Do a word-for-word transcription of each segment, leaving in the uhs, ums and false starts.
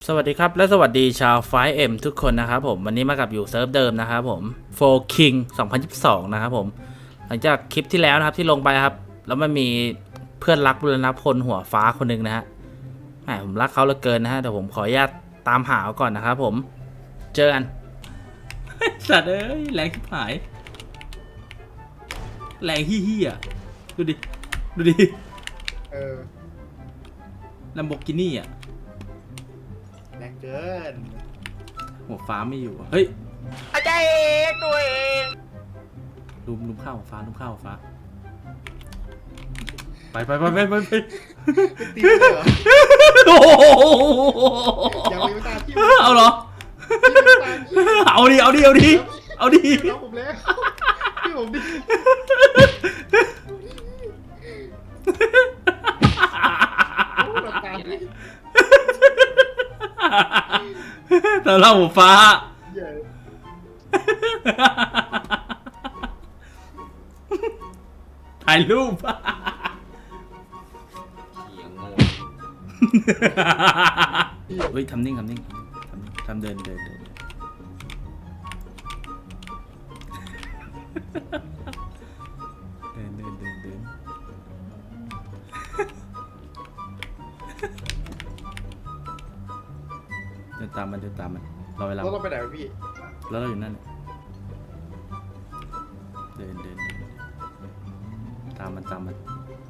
สวัสดีครับและสวัสดีชาว ไฟว์ เอ็ม ทุกคนนะครับผมวันนี้มากับอยู่เซิร์ฟเดิมนะครับผม โฟร์ คิง สองพันยี่สิบสอง นะครับผมหลังจากคลิปที่แล้วนะครับที่ลงไปครับแล้วมันมีเพื่อนรักบุรณพลหัวฟ้าคนหนึ่งนะฮะแหมผมรักเขาเหลือเกินนะฮะเดี๋ยวผมขออนุญาตตามหาเขาก่อนนะครับผมเจอกันสัตว์เอ้ยแรงชิบหายแรงฮี้ฮี้อ่ะดูดิดูดิเออลัมโบกินี่อ่ะแรงเกินหัวฟ้าไม่อยู่อะเฮ้ยอาจารย์เองตัวเองลุมลุมข้าวหัวฟ้าลุมข้าวหัวฟ้าไปไปไปไปไปไปตีเลยเหรอโอ้โหยังไม่ตามที่เอาเหรอ เอาดิเอาดิเอาดิเอาดิน้องผมแล้วพี่ผมดิตามดิแต่เราหัวฟ้าเยอะถ่ายรูป เฮ้ยทำนิ่งทำนิ่งทำทำเดินเดินเดินเดินเดินเดินเดินเดินตามมันเดินตามมันรอเวลาแล้วเราไปไหนวะพี่แล้วเราอยู่นั่นเนี่ยเดินเดินเดินตามมันตามมัน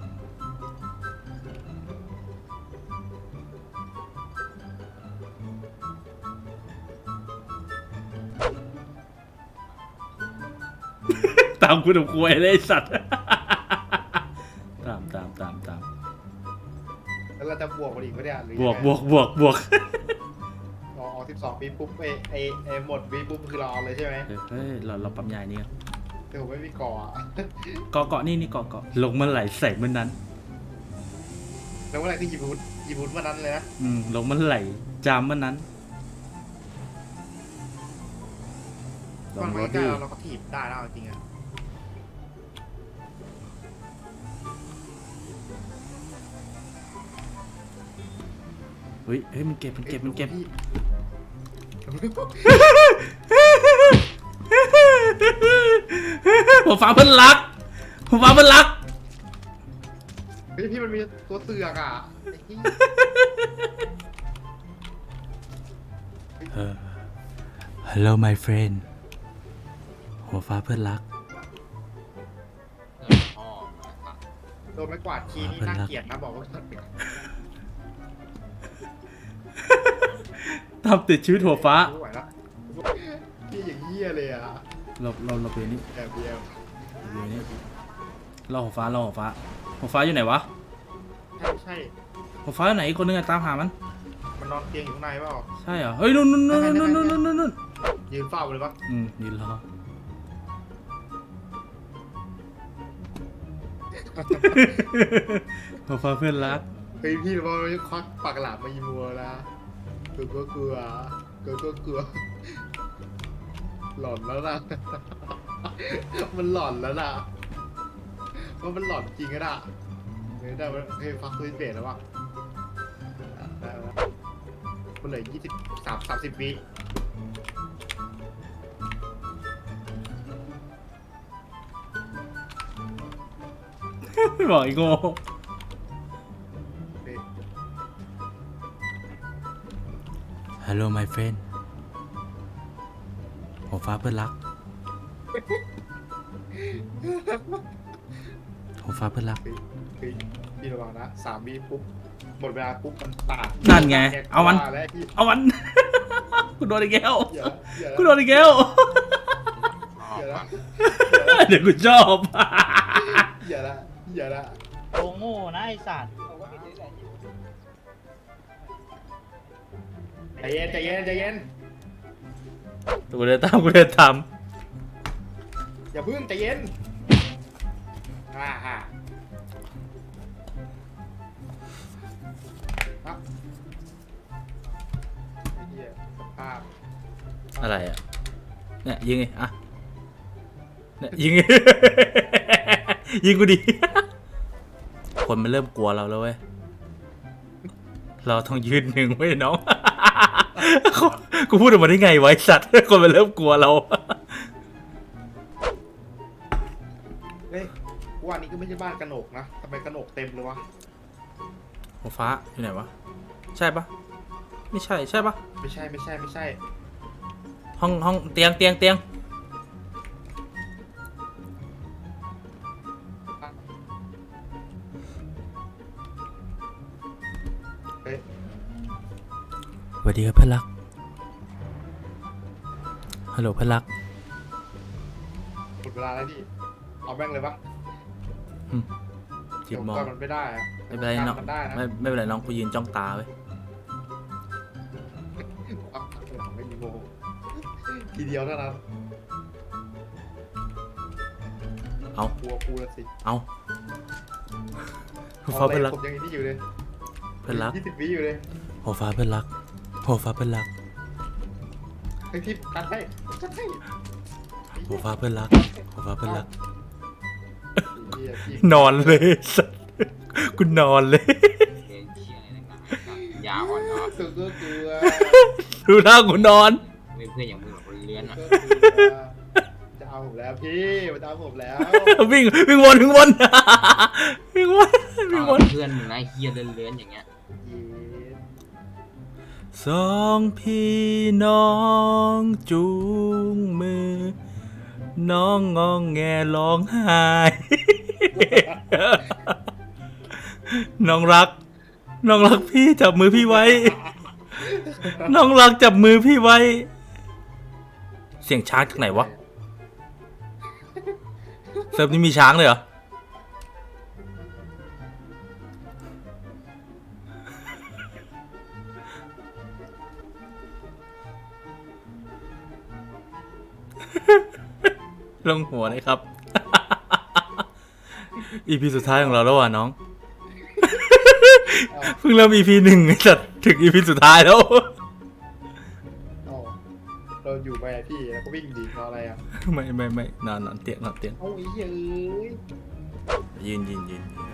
ตามคุณกับควยเลยไอ้สัตว์ ตามตามตามตามแล้วเราจะบวกมันอีกปะเนี่ยหรือบวกบวกบวกบวกอ๋อสิบสองปีปุ๊บไอไอไอหมดปีปุ๊บคือเราเอาเลยใช่ไหมเฮ้ยเราเราปั๊มยายนี่กันแต่ผมไม่มีก่ออะเกาะเกาะนี่นี่เกาะเกาะลงเมื่อไหร่ใส่เมื่อนั้นแล้วเมื่อไหร่คือหยิบวุ้นหยิบวุ้นวันนั้นเลยนะอืมลงเมื่อไหร่จามเมื่อนั้นลตอนงไม่รถกล้าดิเราก็ถีบได้แล้วจริงอะเฮ้ยเฮ้ยมันเก็บมันเก็บมันเก็บ หัวฟ้าเพิ่นรักหัวฟ้าเพิ่นรักเฮ้ยพี่มันมีตัวเสือกอ่ะไอ้ที่ Hello my friend หัวฟ้าเพื่อนรักโดนไม้กวาดทีนี่น่าเกลียดนะบอกว่าทำติดชีวิตหัวฟ้าไม่ไหวละพี่อย่างเหี้ยเลยอ่ะเราเราเราเป็นนี่แอบเดียวเดี๋ยวนี้เราหัวฟ้าเราหัวฟ้าหัวฟ้าอยู่ไหนวะใช่ใช่หัวฟ้าอยู่ไหนอีกคนนึงอะตามหามันมันนอนเตียงอยู่ข้างในเปล่าใช่เหรอเฮ้ยนู่นนู่นนู่นนู่นนู่นนู่นนู่นนู่นยืนเฝ้าเลยปะอืมยืนรอหัวฟ้าเพื่อนรักเฮ้ยพี่ว่ามันควักปากหลามมายิมัวละกลัวก็กลัวกลัวก็กลัวหลอนแล้วนะมันหลอนแล้วนะว่ามันหลอนจริงอะนะเฮ้ยได้ไหมเฮ้ยฟักซื้อเบสแล้ววะได้แล้วมันเหลือยี่สิบสามสามสิบวิไม่บอกอีกโง่เฮ้ย Hello my friend หัวฟ้าเพื่อนรักหัวฟ้าเพื่อนรักเฮ้ยเฮ้ยพี่ระวังนะสามวิปุ๊บหมดเวลาปุ๊บมันตาดนั่นไงเอามันแล้วพี่เอามัน กูโดนอีกแล้วอย่าอย่ากูโดนอีกแล้วอย่าละเดี๋ยวกูชอบอย่าละอย่าละโงโง่นะไอสัตว์ใจเย็นใจเย็นใจเย็นกูเดินตามกูเดินตามอย่าพึ่งใจเย็นอ่าฮ่าครับไอ้เหี้ยสภาพอะไรอ่ะเนี่ยยิงไงอ่ะเนี่ยยิงไง ยิงกูดิ คนมันเริ่มกลัวเราแล้วเว้ยเราต้องยืนหนึ่งไว้น้องกูพูดออกมาได้ไงไวะไอ้สัตว์ คนมันเริ่มกลัวเราเฮ้ยว่านี้ก็ไม่ใช่บ้านกระหนกนะทำไมกระหนกเต็มเลยวะหัวฟ้าอยู่ไหนวะ ใช่ปะไม่ใช่ใช่ปะไม่ใช่ไม่ใช่ไม่ใช่ห้องห้องเตียงเตียงเตียงเฮ้ยสวัสดีครับเพื่อนรัก ฮัลโหลเพื่อนรักหมดเวลาแล้วดิเอาแม่งเลยปะจิเดี๋บยวมองก่อนมันไม่ได้อะไม่เป็นไรน้องมันได้นะไม่ไม่เป็นไรน้องกูยืนจ้องตาไว้เอาหลังไม่มีโมทีเดียวเท่านั้นเอากลัวกูละสิเอาหัวฟ้าเพื่อนรักผมยังนี่อยู่เลยเพื่อนรักยี่สิบวิอยู่เลยหัวฟ้าเพื่อนรักหัวฟ้าเพื่อนรักไอ้ที่กัดให้กัดให้หัวฟ้าเพื่อนรักหัวฟ้าเพื่อนรักไอ้เหี้ยพี่นอนเลย สัสกูนอนเลยเพลงเชียอะไรต่างๆยาอ่อนเนาะตัวก็กลัวดูหน้ากูนอนไม่เพื่อนอย่างมึงหรอกคนเลื้อนอ่ะก็กลัวจะเอาผมแล้วพี่มันจะเอาผมแล้ววิ่งวิ่งวนวิ่งวนวิ่งวนวิ่งวนเพื่อนมึงนะเฮียเลื้อนๆอย่างเงี้ยเย็นสองพี่น้องจูงมือ น้องงองแงร้องไห้ น้องรัก น้องรักพี่จับมือพี่ไว้ น้องรักจับมือพี่ไว้ เสียงช้างจากไหนวะ เซิร์ฟนี้มีช้างเลยเหรอ ลงหัวเลยครับ อีพีสุดท้ายของเราแล้วว่ะน้อง เพิ่งเริ่มอีพีหนึ่งจัดถึงอีพีสุดท้ายแล้วอ๋อเราอยู่ไปอะพี่แล้วก็วิ่งดีเพราะอะไรอ่ะไม่ไม่ไม่นอนนอนเตียงนอนเตียงเอาไอ้เหี้ยเอ้ยยืนยืนยืนยืน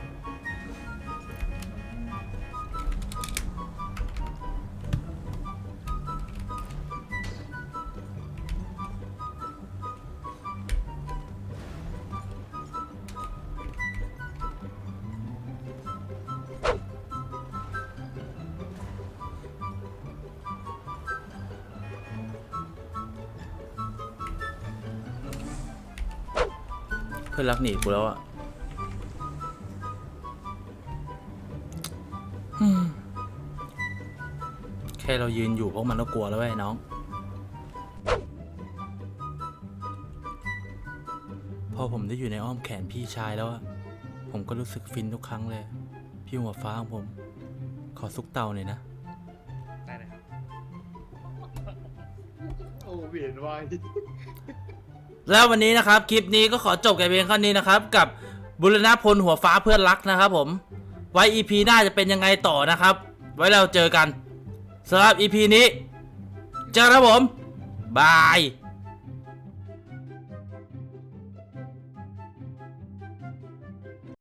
เพื่อนรักหนีกูแล้วอ่ะ แค่เรายืนอยู่พวกมันก็กลัวแล้วเว้ยน้อง พอผมได้อยู่ในอ้อมแขนพี่ชายแล้วอะผมก็รู้สึกฟินทุกครั้งเลย พี่หัวฟ้าของผม ขอซุกเตาหน่อยนะได้นะครับโอ้เวียนวายแล้ววันนี้นะครับ คลิปนี้ก็ขอจบกันเพียงเท่านี้นะครับ กับบุรณพลหัวฟ้าเพื่อนรักนะครับผม ไว้ อี พี หน้าจะเป็นยังไงต่อนะครับ ไว้เราเจอกันสำหรับ อี พี นี้ เจอกันครับผม บาย